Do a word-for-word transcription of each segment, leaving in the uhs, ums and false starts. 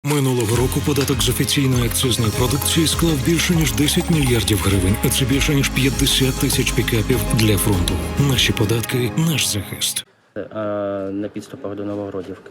Минулого року податок з офіційної акцизної продукції склав більше ніж десять мільярдів гривень, а це більше ніж п'ятдесят тисяч пікапів для фронту. Наші податки – наш захист. На підступах до Новогродівки.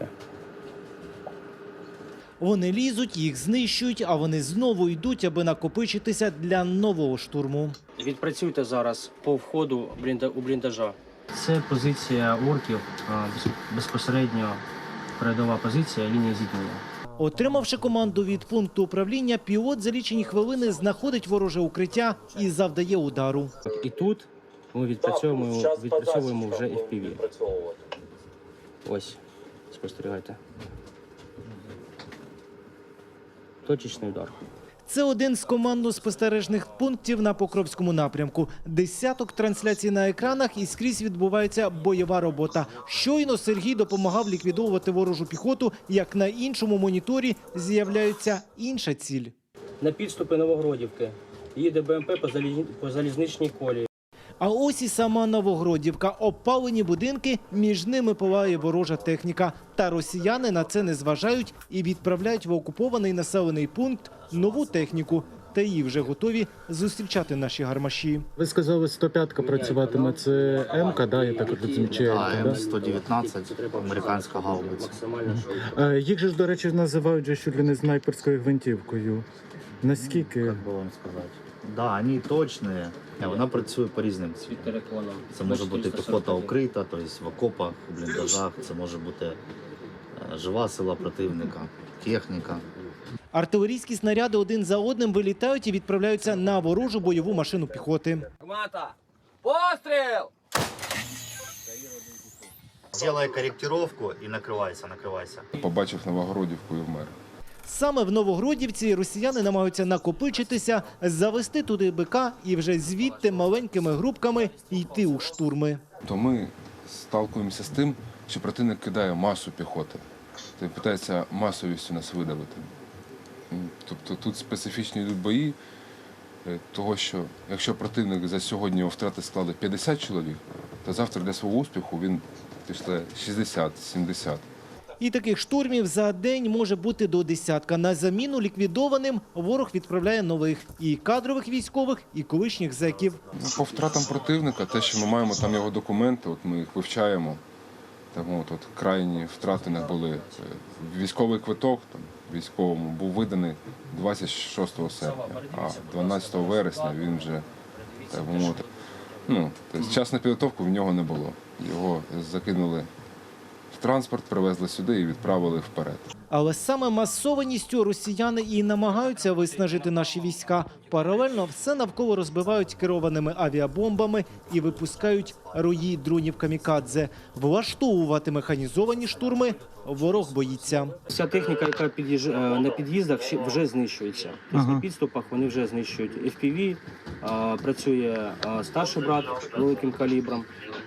Вони лізуть, їх знищують, а вони знову йдуть, аби накопичитися для нового штурму. Відпрацюйте зараз по входу у бліндажа. Це позиція орків, безпосередньо передова позиція, лінія зіткнення. Отримавши команду від пункту управління, пілот за лічені хвилини знаходить вороже укриття і завдає удару. І тут ми відпрацьовуємо, відпрацьовуємо вже еф пі ві. Ось, спостерігайте. Точечний удар. Це один з командно-спостережних пунктів на Покровському напрямку. Десяток трансляцій на екранах і скрізь відбувається бойова робота. Щойно Сергій допомагав ліквідовувати ворожу піхоту, як на іншому моніторі з'являється інша ціль. На підступи Новогродівки їде Б М П по, заліз... по залізничній колії. А ось і сама Новогродівка. Обпалені будинки, між ними палає ворожа техніка. Та росіяни на це не зважають і відправляють в окупований населений пункт нову техніку. Та її вже готові зустрічати наші гармаші. Ви сказали, сто п'ятка працюватиме. Це М-ка, да, я так розумію, чи Л-ка, Так, да? М сто дев'ятнадцять, американська гаубиця. Е, Їх же ж, до речі, називають же чуть ли не снайперською гвинтівкою. Наскільки? Як би вам сказати? Да, вони точні, вона працює по різним цілям. Це може бути піхота укрита, тобто в окопах, в бліндажах, це може бути жива сила противника, техніка. Артилерійські снаряди один за одним вилітають і відправляються на ворожу бойову машину піхоти. Гармата! Постріл! Зробай коректировку і накривайся, накривайся. Побачив Новогродівку і вмер. Саме в Новогродівці росіяни намагаються накопичитися, завести туди БК і вже звідти маленькими групками йти у штурми. То ми сталкуємося з тим, що противник кидає масу піхоти. Тобто питається масовістю нас видавити. Тобто тут специфічні йдуть бої, того що якщо противник за сьогодні його втрати склали п'ятдесят чоловік, то завтра для свого успіху він пішли шістдесят-сімдесят. І таких штурмів за день може бути до десятка. На заміну ліквідованим ворог відправляє нових – і кадрових військових, і колишніх зеків. По втратам противника, те, що ми маємо там його документи, от ми їх вивчаємо. Там, от, от, крайні втрати не були. Військовий квиток там, військовому був виданий двадцять шостого серпня, а дванадцятого вересня він вже так би мовити. Ну, тобто, час на підготовку в нього не було. Його закинули в транспорт, привезли сюди і відправили вперед. Але саме масованістю росіяни і намагаються виснажити наші війська. Паралельно все навколо розбивають керованими авіабомбами і випускають рої дронів камікадзе. Влаштовувати механізовані штурми ворог боїться. Вся техніка, яка під'їж... на під'їздах, вже знищується. Тобто на підступах вони вже знищують еф пі ві, працює старший брат великим калібром.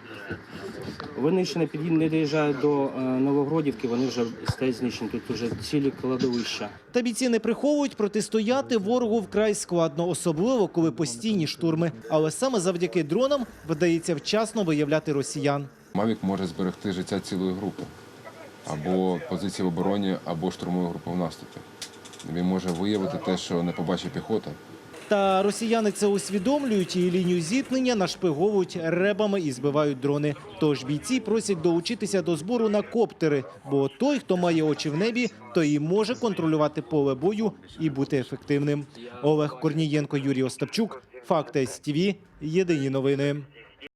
Вони ще не доїжджають до Новогродівки, вони вже стають знищені, тут вже цілі кладовища. Та бійці не приховують, протистояти ворогу вкрай складно, особливо коли постійні штурми. Але саме завдяки дронам вдається вчасно виявляти росіян. Мавік може зберегти життя цілої групи. Або позиції в обороні, або штурмової групи в наступі. Він може виявити те, що не побачить піхота. Та росіяни це усвідомлюють і лінію зіткнення нашпиговують ребами і збивають дрони. Тож бійці просять долучитися до збору на коптери, бо той, хто має очі в небі, той і може контролювати поле бою і бути ефективним. Олег Корнієнко, Юрій Остапчук, Факти ес ті ві, єдині новини.